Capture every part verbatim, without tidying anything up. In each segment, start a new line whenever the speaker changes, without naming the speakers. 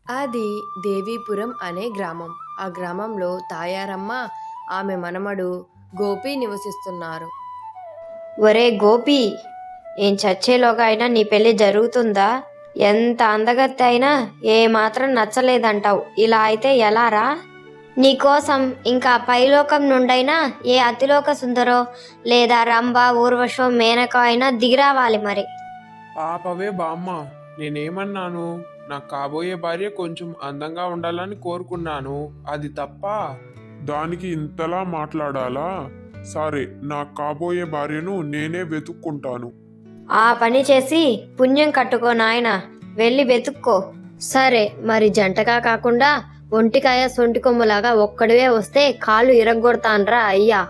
అది దేవీపురం అనే గ్రామం. ఆ గ్రామంలో తాయారమ్మ, ఆమె మనమడు గోపి నివసిస్తున్నారు.
ఒరే గోపి, ఏం చచ్చేలోగా అయినా నీ పెళ్లి జరుగుతుందా? ఎంత అందగత్తి అయినా ఏ మాత్రం నచ్చలేదంటావు. ఇలా అయితే ఎలారా? నీకోసం ఇంకా పైలోకం నుండైనా ఏ అతిలోక సుందరో లేదా రంభ ఊర్వశో మేనక అయినా దిగిరావాలి మరి.
ఆపవే బామ్మ, నేనేమన్నాను? నాకు కాబోయే భార్య కొంచెం అందంగా ఉండాలని కోరుకున్నాను. అది తప్ప?
దానికి ఇంతలా మాట్లాడాలా? సరే, నా కాబోయే భార్యను నేనే వెతుక్కుంటాను.
ఆ పని చేసి పుణ్యం కట్టుకో నాయనా, వెళ్ళి వెతుక్కో. సరే, మరి జంటగా కాకుండా ఒంటికాయ సొంటి కొమ్ములాగా ఒక్కడివే వస్తే కాళ్ళు ఇరగ్గొడతాన్రా అయ్యా.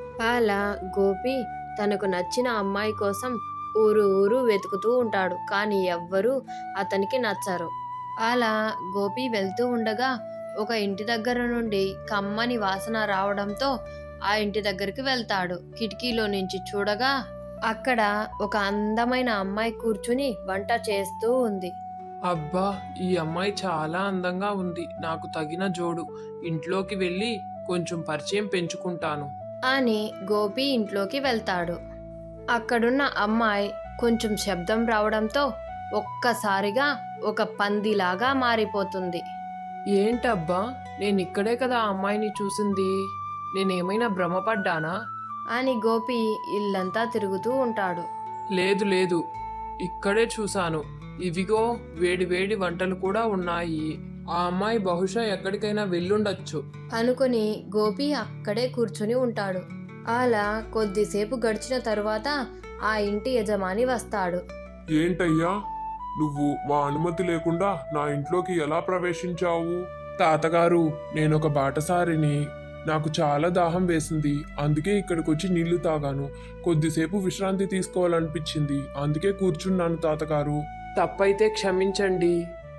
అలా గోపి తనకు నచ్చిన అమ్మాయి కోసం ఊరు ఊరు వెతుకుతూ ఉంటాడు. కానీ ఎవ్వరూ అతనికి నచ్చరు. అలా గోపి వెళ్తూ ఉండగా ఒక ఇంటి దగ్గర నుండి కమ్మని వాసన రావడంతో ఆ ఇంటి దగ్గరికి వెళ్తాడు. కిటికీలో నుంచి చూడగా అక్కడ ఒక అందమైన అమ్మాయి కూర్చుని వంట చేస్తూ ఉంది.
అబ్బా, ఈ అమ్మాయి చాలా అందంగా ఉంది. నాకు తగిన జోడు. ఇంట్లోకి వెళ్ళి కొంచెం పరిచయం పెంచుకుంటాను
అని గోపి ఇంట్లోకి వెళ్తాడు. అక్కడున్న అమ్మాయి కొంచెం శబ్దం రావడంతో ఒక్కసారిగా ఒక పందిలాగా మారిపోతుంది.
ఏంటబ్బా, నేను ఇక్కడే కదా ఆ అమ్మాయిని చూసింది. నేనేమైనా భ్రమపడ్డానా?
అని గోపి ఇల్లంతా తిరుగుతూ ఉంటాడు.
లేదు లేదు, ఇక్కడే చూశాను. ఇవిగో వేడి వేడి వంటలు కూడా ఉన్నాయి. ఆ అమ్మాయి బహుశా ఎక్కడికైనా వెళ్ళుండొచ్చు
అనుకుని గోపి అక్కడే కూర్చుని ఉంటాడు. అలా కొద్దిసేపు గడిచిన తరువాత ఆ ఇంటి యజమాని వస్తాడు.
ఏంటయ్యా, నువ్వు మా అనుమతి లేకుండా నా ఇంట్లోకి ఎలా ప్రవేశించావు?
తాతగారు, నేనొక బాటసారిని. నాకు చాలా దాహం వేసింది. అందుకే ఇక్కడికి వచ్చి నీళ్లు తాగాను. కొద్దిసేపు విశ్రాంతి తీసుకోవాలనిపించింది. అందుకే కూర్చున్నాను తాతగారు. తప్పైతే క్షమించండి.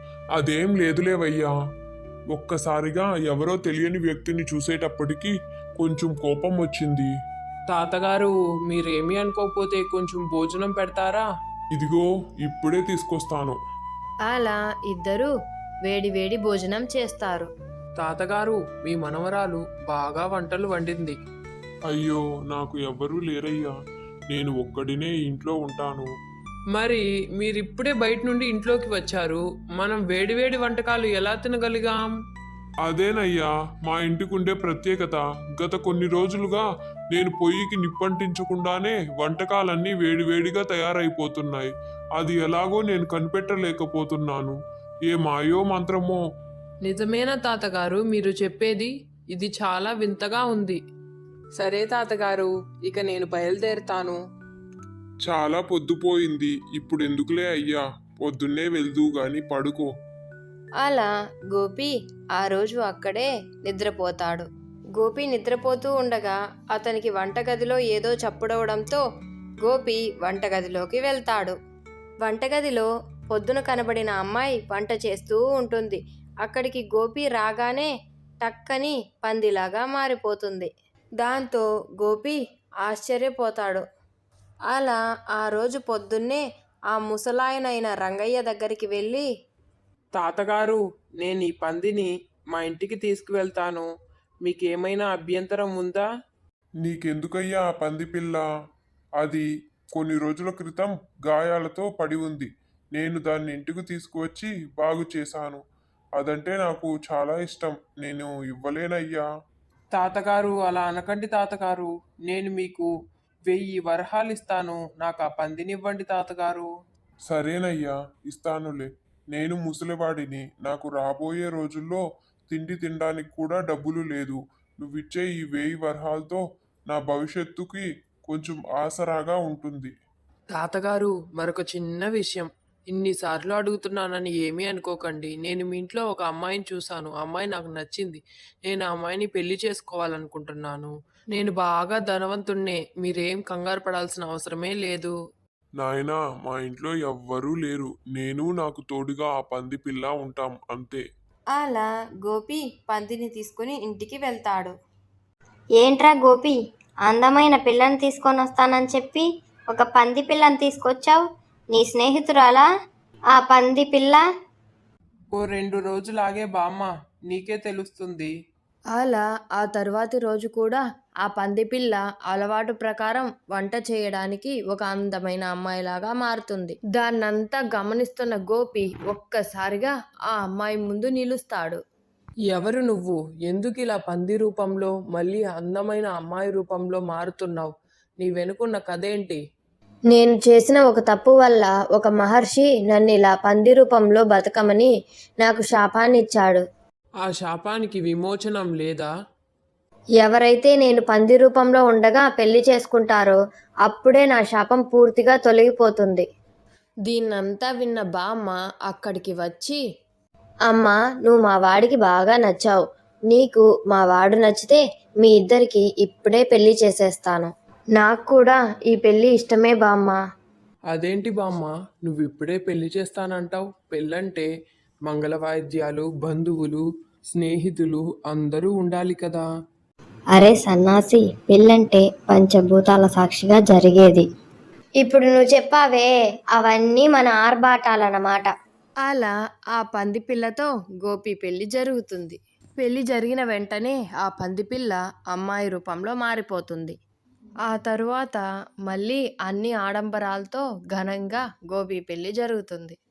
అదేం లేదులేవయ్యా. ఒక్కసారిగా ఎవరో తెలియని వ్యక్తిని చూసేటప్పటికి కొంచెం కోపం వచ్చింది.
తాతగారు, మీరేమీ అనుకోకపోతే కొంచెం భోజనం పెడతారా?
ఇదిగో ఇప్పుడే తీసుకొస్తాను.
అలా ఇద్దరూ వేడి వేడి భోజనం చేస్తారు.
తాతగారు, మీ మనవరాలు బాగా వంటలు వండింది.
అయ్యో, నాకు ఎవ్వరూ లేరయ్యా. నేను ఒక్కడినే ఇంట్లో ఉంటాను.
మరి మీరిప్పుడే బయట నుండి ఇంట్లోకి వచ్చారు. మనం వేడివేడి వంటకాలు ఎలా తినగలిగాం?
అదేనయ్యా మా ఇంటికుండే ప్రత్యేకత. గత కొన్ని రోజులుగా నేను పొయ్యికి నిప్పంటించకుండానే వంటకాలన్నీ వేడివేడిగా తయారైపోతున్నాయి. అది ఎలాగో నేను కనిపెట్టలేకపోతున్నాను. ఏ మాయో మంత్రమో.
నిజమేనా తాతగారు మీరు చెప్పేది? ఇది చాలా వింతగా ఉంది. సరే తాతగారు, ఇక నేను బయలుదేరుతాను.
చాలా పొద్దుపోయింది. ఇప్పుడు ఎందుకులే అయ్యా, పొద్దున్నే వెళ్దూ గాని పడుకో.
అలా గోపి ఆ రోజు అక్కడే నిద్రపోతాడు. గోపి నిద్రపోతూ ఉండగా అతనికి వంటగదిలో ఏదో చప్పుడవడంతో గోపి వంటగదిలోకి వెళ్తాడు. వంటగదిలో పొద్దున కనబడిన అమ్మాయి వంట చేస్తూ ఉంటుంది. అక్కడికి గోపి రాగానే టక్కని పందిలాగా మారిపోతుంది. దాంతో గోపి ఆశ్చర్యపోతాడు. అలా ఆ రోజు పొద్దున్నే ఆ ముసలాయనైన రంగయ్య దగ్గరికి వెళ్ళి,
తాతగారు, నేను ఈ పందిని మా ఇంటికి తీసుకువెళ్తాను. మీకేమైనా అభ్యంతరం ఉందా?
నీకెందుకయ్యా ఆ పంది పిల్ల? అది కొన్ని రోజుల క్రితం గాయాలతో పడి ఉంది. నేను దాన్ని ఇంటికి తీసుకువచ్చి బాగు చేశాను. అదంటే నాకు చాలా ఇష్టం. నేను ఇవ్వలేనయ్యా.
తాతగారు, అలా అనకండి తాతగారు. నేను మీకు వెయ్యి వరహాలు ఇస్తాను. నాకు ఆ పందినివ్వండి తాతగారు.
సరేనయ్యా, ఇస్తానులే. నేను ముసలివాడిని. నాకు రాబోయే రోజుల్లో తిండి తినడానికి కూడా డబ్బులు లేదు. నువ్విచ్చే ఈ వేయి వరహాలతో నా భవిష్యత్తుకి కొంచెం ఆసరాగా ఉంటుంది.
తాతగారు, మరొక చిన్న విషయం. ఇన్నిసార్లు అడుగుతున్నానని ఏమీ అనుకోకండి. నేను మీ ఇంట్లో ఒక అమ్మాయిని చూశాను. ఆ అమ్మాయి నాకు నచ్చింది. నేను ఆ అమ్మాయిని పెళ్లి చేసుకోవాలనుకుంటున్నాను. నేను బాగా ధనవంతుణ్ణే. మీరేం కంగారు పడాల్సిన అవసరమే లేదు.
నాయనా, మా ఇంట్లో ఎవ్వరూ లేరు. నేను నాకు తోడుగా ఆ పంది పిల్ల ఉంటాం, అంతే.
అలా గోపి పందిని తీసుకుని ఇంటికి వెళ్తాడు.
ఏంట్రా గోపి, అందమైన పిల్లని తీసుకొని వస్తానని చెప్పి ఒక పంది పిల్లని తీసుకొచ్చావు? నీ స్నేహితురాలా ఆ పంది పిల్ల?
ఓ రెండు రోజులాగే బామ్మ, నీకే తెలుస్తుంది.
అలా ఆ తరువాతి రోజు కూడా ఆ పందిపిల్ల అలవాటు ప్రకారం వంట చేయడానికి ఒక అందమైన అమ్మాయిలాగా మారుతుంది. దాన్నంతా గమనిస్తున్న గోపి ఒక్కసారిగా ఆ అమ్మాయి ముందు నిలుస్తాడు.
ఎవరు నువ్వు? ఎందుకు ఇలా పంది రూపంలో మళ్ళీ అందమైన అమ్మాయి రూపంలో మారుతున్నావు? నీ వెనుకున్న కథేంటి?
నేను చేసిన ఒక తప్పు వల్ల ఒక మహర్షి నన్ను ఇలా పంది రూపంలో బతకమని నాకు శాపాన్ని ఇచ్చాడు.
ఆ శాపానికి విమోచనం లేదా?
ఎవరైతే నేను పంది రూపంలో ఉండగా పెళ్లి చేసుకుంటారో అప్పుడే నా శాపం పూర్తిగా తొలగిపోతుంది.
దీన్నంతా విన్న బామ్మ అక్కడికి వచ్చి,
అమ్మా, నువ్వు మా వాడికి బాగా నచ్చావు. నీకు మా వాడు నచ్చితే మీ ఇద్దరికి ఇప్పుడే పెళ్లి చేసేస్తాను. నాకు కూడా ఈ పెళ్లి ఇష్టమే బామ్మ.
అదేంటి బామ్మ, నువ్వు ఇప్పుడే పెళ్లి చేస్తానంటావు? పెళ్ళంటే మంగళ వాయిద్యాలు, బంధువులు, స్నేహితులు అందరూ ఉండాలి కదా.
అరే సన్నాసి, పెళ్ళంటే పంచభూతాల సాక్షిగా జరిగేది. ఇప్పుడు నువ్వు చెప్పావే, అవన్నీ మన ఆర్భాటాలన్నమాట.
అలా ఆ పందిపిల్లతో గోపి పెళ్లి జరుగుతుంది. పెళ్లి జరిగిన వెంటనే ఆ పందిపిల్ల అమ్మాయి రూపంలో మారిపోతుంది. ఆ తరువాత మళ్ళీ అన్ని ఆడంబరాలతో ఘనంగా గోపి పెళ్లి జరుగుతుంది.